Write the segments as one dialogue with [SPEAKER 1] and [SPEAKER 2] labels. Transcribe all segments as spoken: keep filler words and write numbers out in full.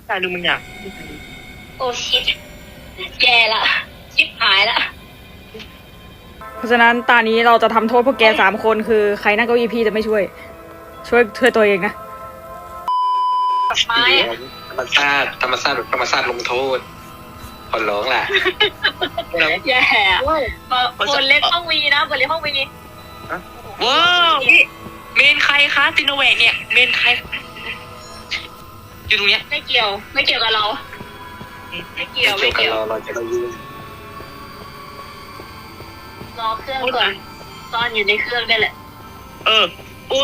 [SPEAKER 1] ตายดูมึงอยาก
[SPEAKER 2] โอ้ชิบแย่ละชิบหายละ
[SPEAKER 3] เพราะฉะนั้นตอนนี้เราจะทำโทษพวกแกสามคนคือใครนั่งเก้าอี้พี่จะไม่ช่วย ช่วยช่วยตัวเองนะ
[SPEAKER 2] ไม้
[SPEAKER 1] ธรรมชาติธรรมชาติธรรมชาติลงโทษขอร้องแหละ
[SPEAKER 2] แย่บนเล็กห้องวีนะบนเล็กห้องวี
[SPEAKER 1] ว้าวเมนใครคะซิโนแวคเนี่ยเมนใครอยู่ตรงเนี้ย
[SPEAKER 2] ไม่เกี่ยวไม่เกี่ยวกับเราไม่เกี่ยวไม่เกี่ยว
[SPEAKER 1] เราจะได้ยืน
[SPEAKER 2] รอเครื่องก่อนตอนอยู่ในเครื่องได้แหละ
[SPEAKER 1] เอออู้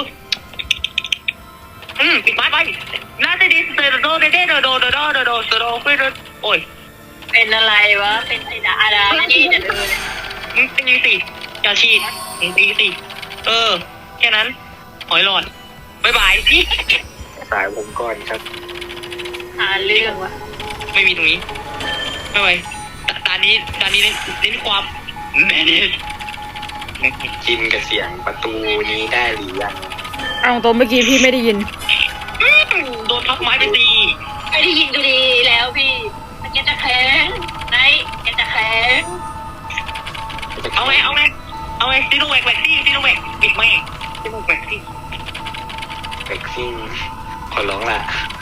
[SPEAKER 1] อืมปิดไม้ไปน่าจะดีเตอร์โดเดเดโดโดโดโดโดโดโดโดไปโดโอ้ย
[SPEAKER 2] เป็นอะไรวะเป็นไอ้ดาดาที่จะเลย
[SPEAKER 1] มึงตีสิอย่าฉีดมึงตีสิเออแค่นั้นหอยหลอดบายบายสายผมก่อนครับ
[SPEAKER 2] หาเรื่องวะ
[SPEAKER 1] ไม่มีตรงนี้ไม่ไหวตานี้ตานี้เน้นความแม่เนี่ยกินกับเสียงประตูนี้ได้หรือยัง
[SPEAKER 3] เอาตรงเมื่อกี้พี่ไม่ได้ยิน
[SPEAKER 1] โดนทับไม้ไปตี
[SPEAKER 2] ไม่ได้ยินดูดีแล้วพี่มันจะแข็งไหนจะแข็ง
[SPEAKER 1] เอาไงเอาไงเอาไงซีโนแวคแวคซี่ซีโนแวคปิดไม่ซีโนแวคซี่แวคซี่ขอร้องล่ะ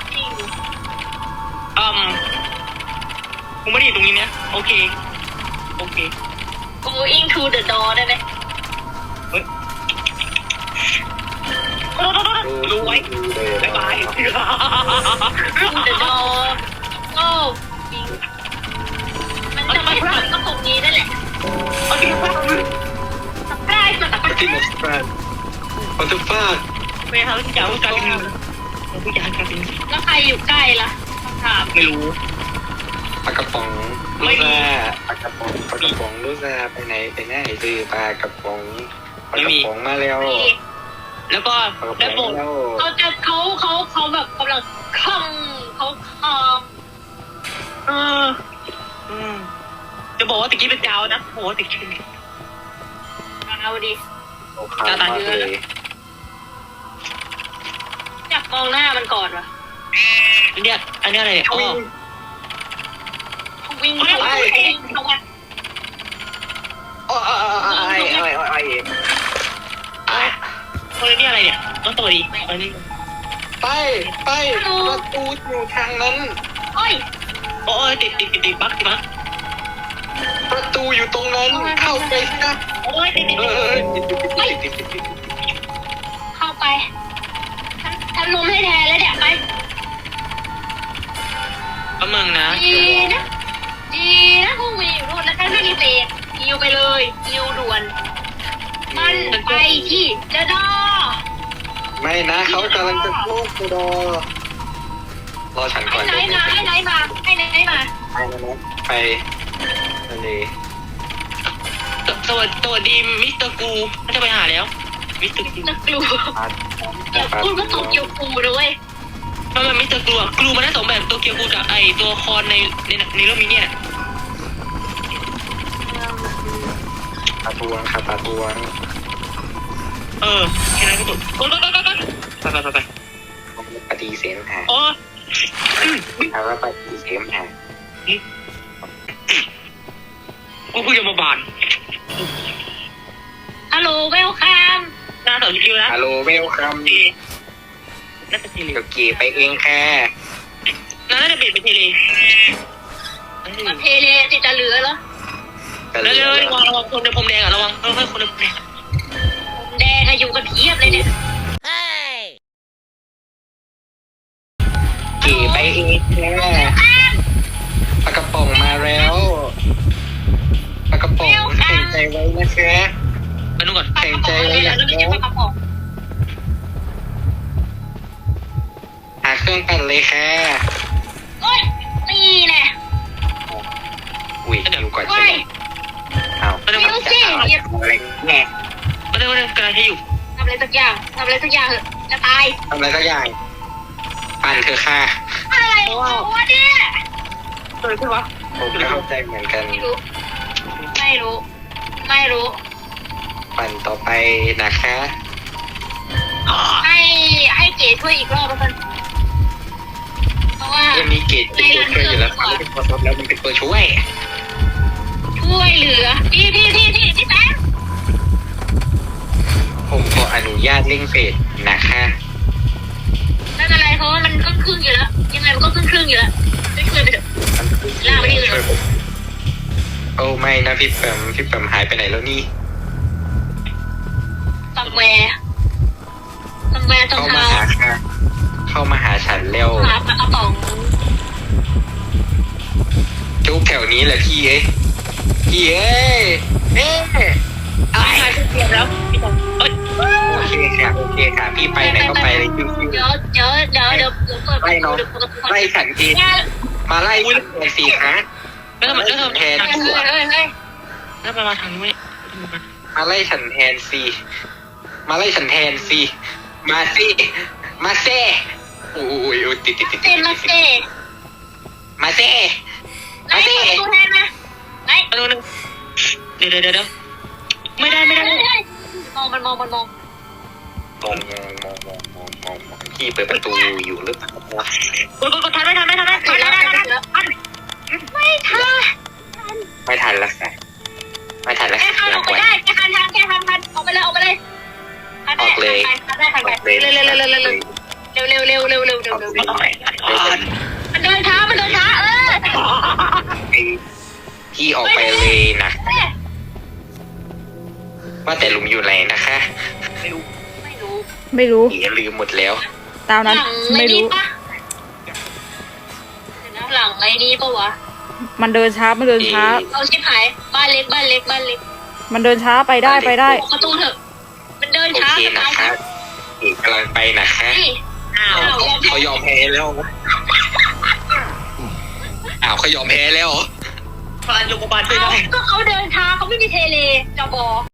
[SPEAKER 1] อืมกูไม่ได้อยู่ตรงนี้เนี่ยโอเคโอเค
[SPEAKER 2] going to the door ได้ไหม
[SPEAKER 1] รู้ไว้บ๊ายบาย
[SPEAKER 2] the door โอ้มันจะไม่ทำก็ตรงนี้นั่นแหละ
[SPEAKER 1] โอเคฟ้า
[SPEAKER 2] สปายสปาย
[SPEAKER 1] ที่มันสปายมันจะฟ้าไม่ทำทุกอย่างทุกการเป็นทุกอย่างการเป็น
[SPEAKER 2] แล้วใครอยู่ใกล้ล่ะถาม
[SPEAKER 1] ไม่รู้ปลากระป๋องลูซ่าปลากระป๋องปลากระป๋องลูซ่าไปไหนไปไหนซื้อปลากระป๋องปลากระป๋องมาแล้วแล้วก็แล้วบอก
[SPEAKER 2] เขาจะเขาเขาเขาแบบกำลังคล่องเขาคล่อง
[SPEAKER 1] เอออืมจะบอกว่าตะกี้เป็นดาวนะโหตะกี้
[SPEAKER 2] เอาดิ
[SPEAKER 1] ดาวตาเยอะเลย
[SPEAKER 2] อยากมองหน้ามันก่อนวะ
[SPEAKER 1] อันเนี้ยอันเนี้ยอะไรเนี่ย
[SPEAKER 2] โอ้วิ่งเข้าไปเข้าไป
[SPEAKER 1] โอ้ยโอ้ยโอ้ยโอ้ยโอ้ยโอ้ยคนนี้อะไรเนี่ยต้องตัวดีอันนี้ไปไปประตูอยู่ทางนั้น
[SPEAKER 2] โอ้ย
[SPEAKER 1] โอ้ยติดติดติดติดบั๊กติดบั๊กประตูอยู่ตรงนั้นเข้าไปนะ
[SPEAKER 2] โอ้ยติดติดติดติดติดเข้าไปทำลมให้แทนแล้วเดี๋ยวไป
[SPEAKER 1] ก็มึงนะ
[SPEAKER 2] ดีนะดีนะพวกมีอยู่นู่นแล้วท่านไม่มีเศษยิวไปเลยยิวด่วนมันไปที่เดดอ
[SPEAKER 1] ไม่นะเขากำลังจะพูดกูรอรอฉันก่อน
[SPEAKER 2] ไหนมาให้ไหนมาให้ไหนมา
[SPEAKER 1] ไปนะไปนั่นเลยสวัสดีสวัสดีมิสเตอร์กูเขาจะไปหาแล้วมิสเตอร์กู
[SPEAKER 2] นักกลูอย่าพูดว่าตัวเกียวกูด้วย
[SPEAKER 1] ทำไมมิสเตอร์กูอ่ะกลูมันได้สองแบบตัวเกียวกูกับไอตัวคอนในในในเรื่องนี้เนี่ยปาทวงครับปาทวงเออแค่นั้นก็จบกดกดกดกดไปไปไปไปปฏิเสธหาโอ้ถามว่าปฏิเสธหากูคุยกับมาบาน
[SPEAKER 2] ฮัลโหลเวลคัม
[SPEAKER 1] น่าสนใจนะฮัลโหลเวลคัมน่าจะเทเลเกี่ยไปเองแค่น่าจะเปลี่ยนเป็นเทเล
[SPEAKER 2] มันเทเลจิตจะเหลือเหรอ
[SPEAKER 1] แล้วระวังระวังคนในผมแดงอ่ะระวังระวังคนในผมแดง
[SPEAKER 2] ผมแดงอะอยู่กันเพียบเลยเนี่ย
[SPEAKER 1] เกี่ยไปเองแค่ปลากระป๋องมาแล้วปลากระป๋องแข่งใจไว้นะแค่ไปนู่นก่อนแข่งใจไว้อย่างนี้หาเครื่องปั่นเลยค่ะ
[SPEAKER 2] โอ้ยนี่แหละ
[SPEAKER 1] อุ้ยเดี๋ยวก่อนใช่ไหมเอาไม่ต้อง
[SPEAKER 2] สิ
[SPEAKER 1] อะไรแง่ไม่ได้ไม่ได้กำลังให้อยู่
[SPEAKER 2] ทำอะไรสักอย่างทำอะไรสักอย่างจะตาย
[SPEAKER 1] ทำอะไรสักอย่างปั่นเธอค่ะ
[SPEAKER 2] อะไรวะเนี่ย
[SPEAKER 1] เออใช่ปะผมเข้าใจเหมือนกัน
[SPEAKER 2] ไม่รู้ไม่รู้ไม่รู้
[SPEAKER 1] ปั่นต่อไปนะคะ
[SPEAKER 2] ให้ให้เก๋ช่วยอีกรอบแล้วกันเพราะว่า
[SPEAKER 1] มันมีเกจเป็นตัวช่วยอยู่แล้วมันเป็นตัวทดแล้วมันเป็นตัวช่วย
[SPEAKER 2] ช่วยเหลือพี่พี่พี่พี่พี่แป๊บ
[SPEAKER 1] ผมขออนุญาตเร่งเฟสนะคะ
[SPEAKER 2] ไม่เป็นไรเพราะว่ามันครึ่งครึ่งอยู่แล้วยังไงมันก็ครึ่งครึ่งอยู่แล้วช่วยช่วยไปเถอะ
[SPEAKER 1] มันคือช่วยผมโอ้ไม่นะพี่เปิมพี่เปิมหายไปไหนแล้วนี่
[SPEAKER 2] ซัมแวร์ซัมแวร์ตรง
[SPEAKER 1] เข้ามา
[SPEAKER 2] เท้า
[SPEAKER 1] หาค่ะเข้ามาหาฉันเร็ว
[SPEAKER 2] หาปลากระป๋อง
[SPEAKER 1] จุกแถวนี้แหละพี่เอ้ยพี่เอ้ยเอ้ย
[SPEAKER 2] เอาหายไปเสียแล้วพี่ต๋องเอ้ย
[SPEAKER 1] โอเคค่ะโอเคค่ะพี่ไปไหนก็ไปเลยคิว
[SPEAKER 2] เดี๋ยวเดี๋ยวเดี๋ยวเดี๋ยวเดี๋ยวเปิดประตูเดี๋ยวเปิดประตู
[SPEAKER 1] ๆไล่ฉันทีมาไล่ฉันแทนสิคะ
[SPEAKER 4] แล้วทำไมแล้วทำไม
[SPEAKER 1] แทน
[SPEAKER 2] เฮ้ยเฮ้ยเฮ้ย
[SPEAKER 4] แล้วมามาทางนี้ไหม
[SPEAKER 1] มาไล่ฉันแทนสิมาไล่ฉันแทนสิมาสิมาเซ่โอ้ยโอ้ยติดติดติด
[SPEAKER 2] เซมาเซ่
[SPEAKER 1] มาเซ่
[SPEAKER 2] ไหนเปิดประตูแทนมาไหน
[SPEAKER 4] เอาหนึ่งเดี๋ยวเดี๋ยวเดี๋ยวไม่ได้ไม่ได้
[SPEAKER 2] มองมันมองมันมอง
[SPEAKER 1] มองมองมองมองมองมองพี่เปิดประตูอยู่หรือเปล่า
[SPEAKER 4] กดกดกดทันไม่ทันไม่ทันไม่ทัน
[SPEAKER 2] ทันแล้วทันแล้วทันไม่ทัน
[SPEAKER 1] ไม่ทันละค่ะไม่ทันละ
[SPEAKER 2] แกทันอ
[SPEAKER 1] ลา
[SPEAKER 2] อกไป
[SPEAKER 1] ก่อน
[SPEAKER 2] ได้แกทันทันแกทันทันออกไปเลยออกไปเลยทันได้ทันได้ทันได้เร็วเร็วเร็วเร็วเร็วเร็วเร็วเร็วเร็วเร็วเร็วเร็วมันเดินช้ามันเดินช้าเออ
[SPEAKER 1] พี่ออกไปเลยนะว่าแต่ลุงอยู่ไหนนะคะ
[SPEAKER 2] ไม่รู้
[SPEAKER 3] ไม่รู้
[SPEAKER 1] อย่าลืมหมดแล้ว
[SPEAKER 3] ตาม
[SPEAKER 2] หลั
[SPEAKER 3] นั้น
[SPEAKER 2] ง
[SPEAKER 3] ไม่
[SPEAKER 2] ไอ้นี่
[SPEAKER 3] รู้
[SPEAKER 2] ปะหลังไอ้นี่ปะวะ
[SPEAKER 3] มันเดินช้ามันเดินช้า
[SPEAKER 2] เอาชิบหายบ้านเล็กบ้านเล็กบ้านเล็ก
[SPEAKER 3] มันเดินช้าไปได้ไปได้
[SPEAKER 2] ประตูเถอะมันเดิน
[SPEAKER 1] โอ
[SPEAKER 2] ช้า
[SPEAKER 1] เค
[SPEAKER 2] จะ
[SPEAKER 1] นะ
[SPEAKER 2] ตาย
[SPEAKER 1] คะอีกกำลังไปนะคะ
[SPEAKER 2] นี่
[SPEAKER 4] อ้าว
[SPEAKER 1] เขายอมแพ้แล้วอ้าวเขายอมแพ้แล้ว
[SPEAKER 4] พลานโยกบาลช่วยได้
[SPEAKER 2] ก็เขาเดินช้าเขาไม่มีเทเลจะบอก